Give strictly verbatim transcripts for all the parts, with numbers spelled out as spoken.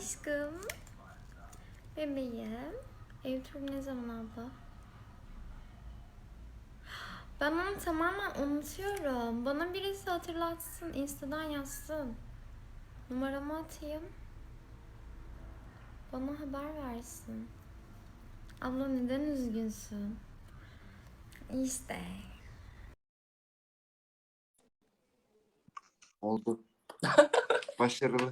Aşkım. Bebeğim. Ev turu ne zaman abla? Ben onu tamamen unutuyorum. Bana birisi hatırlatsın. Insta'dan yazsın. Numaramı atayım. Bana haber versin. Abla neden üzgünsün? İşte. Oldu. Başarılı.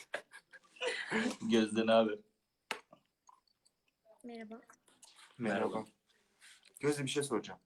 Gözden abi. Merhaba. Merhaba. Gözde bir şey soracağım.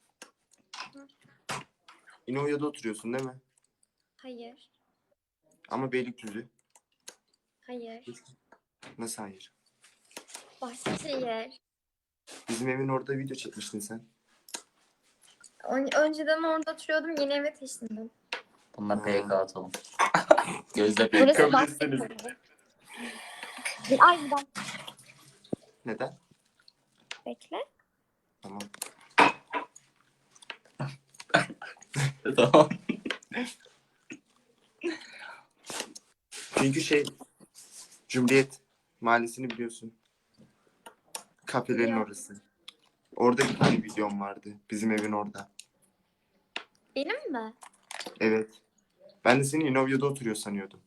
İnovya'da oturuyorsun değil mi? Hayır. Ama Beylikdüzü. Hayır. Nasıl hayır? Bahçeşehir. Bizim evin orada video çekmiştin sen. Ön- Önceden orada oturuyordum. Yeni eve taşındım. Bununla Ha. P K atalım. Gözde P K. Burası kabul etseniz. Bahçeşehir. Ay bir dakika. Neden? Bekle. Tamam. Tamam. Çünkü şey Cumhuriyet Mahallesi'ni biliyorsun. Kafelerin Biliyorum. orası. Orada bir tane videom vardı. Bizim evin orada. Benim mi? Evet. Ben de seni İnovya'da oturuyor sanıyordum.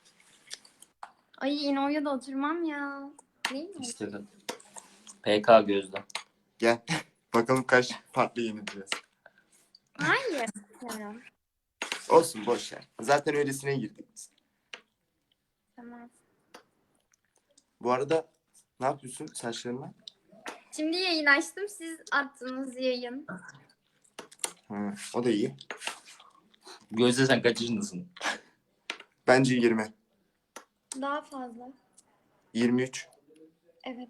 Ay İnovya'da oturmam ya. Değil mi? İstedim. P K Gözde. Gel. Bakalım kaç farklı yenileceğiz. Hayır. Bilmiyorum. Olsun boş ver. Zaten öylesine girdik biz. Tamam. Bu arada ne yapıyorsun saçlarına? Şimdi yayın açtım. Siz attığınız yayın. Ha, o da iyi. Gözde sen kaç yaşındasın? Bence yirmi. Daha fazla. yirmi üç. Evet.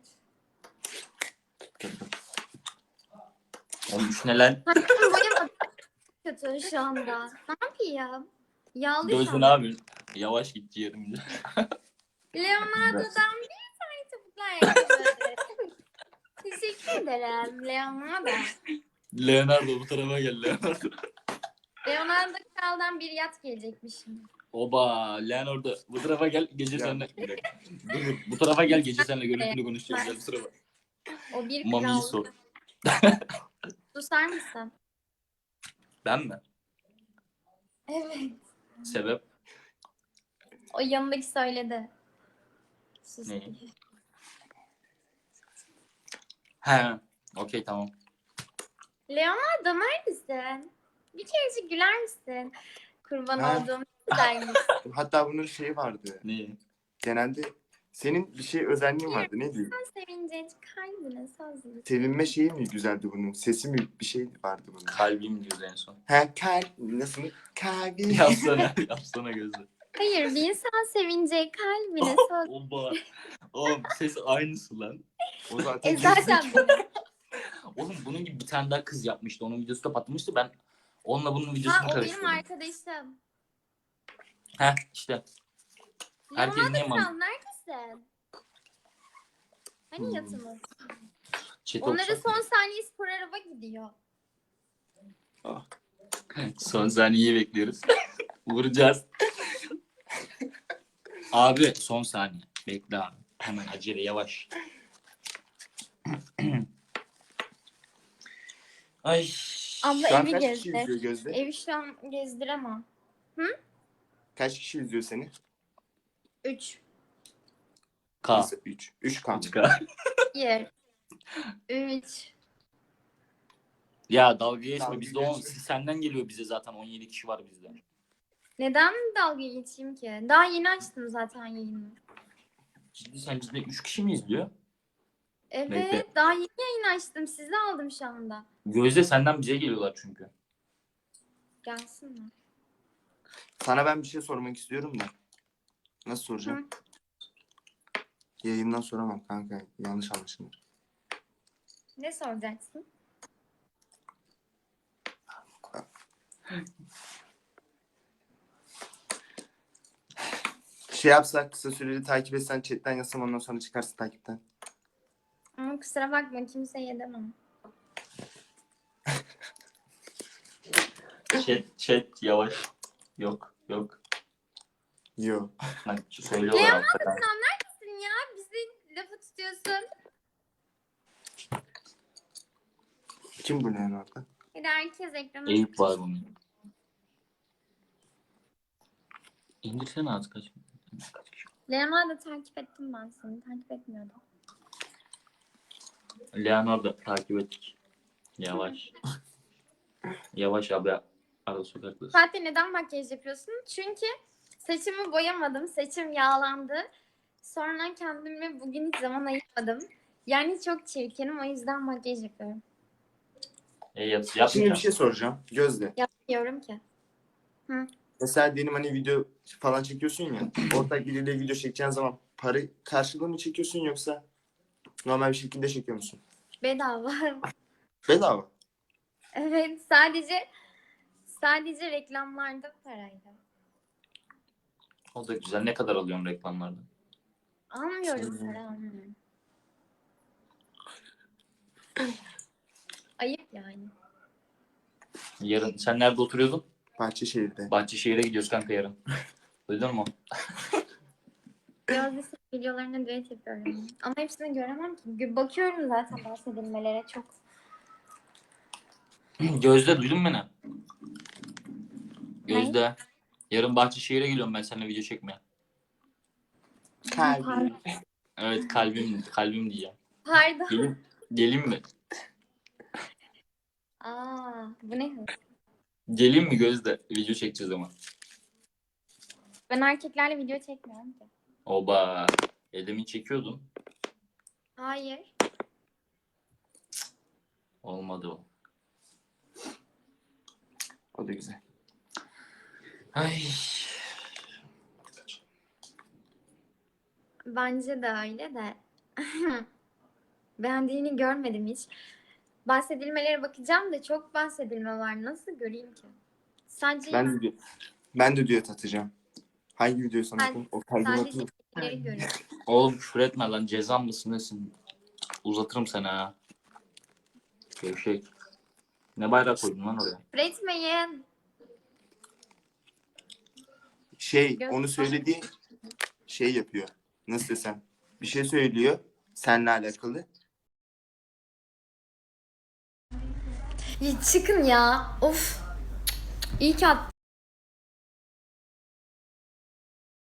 on üç ne lan? Hayır boyum kötü şu anda. Ne yapayım? Yağlı şu Gözde an. ne yapıyorsun? Yavaş git yerimde. Leonardo'dan bir tane topuklu ayakkabı. Teşekkür ederim Leonardo. Leonardo bu tarafa gel Leonardo. Leonardo Kral'dan bir yat gelecekmiş şimdi. Oba Leonardo bu tarafa gel gece Ya. seninle. Bir dakika. Dur, dur. Bu tarafa gel gece seninle görüntülü konuşacağız. Gel bu tarafa. O bir Mami'yi kral. sor. Susar mısın? Ben mi? Evet. Sebep? O yanındaki söyledi. Sus. Ne? He. Okey tamam. Leonardo neredesin? Bir kerecik güler misin? Kurban Ha. olduğum güzellik. Hatta bunun şeyi vardı. Ne? Genelde senin bir şey özelliğin vardı. Neydi? Sen sevince kalbine sazlı. Sevinme şeyi mi güzeldi bunun? Sesi mi bir şey vardı bunun? Kalbim diyordu en son. Ha kalp. Nasıl? Kalbi. Yapsana. Yapsana Gözde. Hayır bir insan sevince kalbine sazlı. Oba. Oğlum ses aynısı lan. O zaten E zaten benim. Oğlum bunun gibi bir tane daha kız yapmıştı. Onun videosu da patlamıştı. Ben onunla bunun videosunu Ha o benim karıştırdım. arkadaşım. Heh işte. Herkes Leonardo niye Kral man- neredesin? Hani Hmm. yatımız? Chat Onların olacak mı? son saniye spor araba gidiyor. Son saniyeyi bekliyoruz. Vuracağız. Abi son saniye. Bekle abi. Hemen acele yavaş. Ay. Abla Şu an evi kaç kişi gezdir. izliyor Gözde? Evi şu an gezdiremem. Kaç kişi izliyor seni? Üç. K. Nasıl? üç. üç K. üç K. Bir. Üç. Ya dalga geçme. Dalga Bizde on, geçme. senden geliyor bize zaten on yedi kişi var bizde. Neden dalga geçeyim ki? Daha yeni açtım zaten yayını. Ciddi sen ciddi üç kişi mi izliyor? Evet. Bekle. Daha yeni yayın açtım. Sizi aldım şu anda. Gözde senden bize geliyorlar çünkü. Gelsinler. Sana ben bir şey sormak istiyorum da. Nasıl soracağım? Yayından soramam kanka. Yanlış anlaşılır. Ne soracaksın? Şey yapsak kısa süreli takip etsen chatten yazsam ondan sonra çıkarsın takipten. Ama kusura bakma kimseye edemem. Chat, chat yavaş. Yok, yok. Yo. Bak söylüyorlar Leonardo hakikaten. Kral neredesin Kim bu Leonardo? Bir de herkes ekrana. Eyüp var bunun. İndirsene az kaç. Kaç kişi? Leonardo takip ettim ben seni. Takip etmiyordum. Leonardo takip ettik. Yavaş. Yavaş abi. Arada sokaktasın. Fatih neden makyaj yapıyorsun? Çünkü saçımı boyamadım. Saçım yağlandı. Sonra kendime bugün hiç zaman ayırmadım. Yani çok çirkinim. O yüzden makyaj yapıyorum. E, yap, Şimdi bir yapmayacağım. şey soracağım. Gözde. Yapmıyorum ki. Mesela diyelim hani video falan çekiyorsun ya. Ortak biriyle video çekeceğin zaman para karşılığı mı çekiyorsun yoksa normal bir şekilde çekiyor musun? Bedava. Bedava. Evet, sadece sadece reklamlarda paraydı. O da güzel. Ne kadar alıyorum reklamlardan? Almıyorum Şey- para almıyorum. Ayıp yani. Yarın. Sen nerede oturuyordun? Bahçeşehir'de. Bahçeşehir'e gidiyoruz kanka yarın. Duydun mu? Gözde videolarına düet yapıyorum. Ama hepsini göremem ki. Bakıyorum zaten bahsedilmelere çok. Gözde duydun mu beni? Gözde. Yarın Bahçeşehir'e geliyorum ben seninle video çekmeye. Kalbi. Evet kalbim kalbim diyeceğim. Pardon. Gelin, gelin mi? Aa, bu ne hız? Gelin mi Gözde? Video çekeceğiz ama. Ben erkeklerle video çekmiyorum ki. Oba. Edemin çekiyordun. Hayır. Olmadı o. O da güzel. Ay. Bence de öyle de. Beğendiğini görmedim hiç. Bahsedilmelere bakacağım da çok bahsedilme var. Nasıl göreyim ki? Sadece Ben de, ben de düet atacağım. Hangi videoyu sana Ben- atayım? O kalbimi sadece atayım. ileri görüyorum. Oğlum küfür etme lan. Cezam mısın nesin? Uzatırım seni ha. Gevşek. Ne bayrak koydun lan oraya? Üretmeyin. Şey Göz- onu söylediği şey yapıyor. Nasıl desem? Bir şey söylüyor. Seninle alakalı. Ya çıkın ya. Of. İyi ki attım.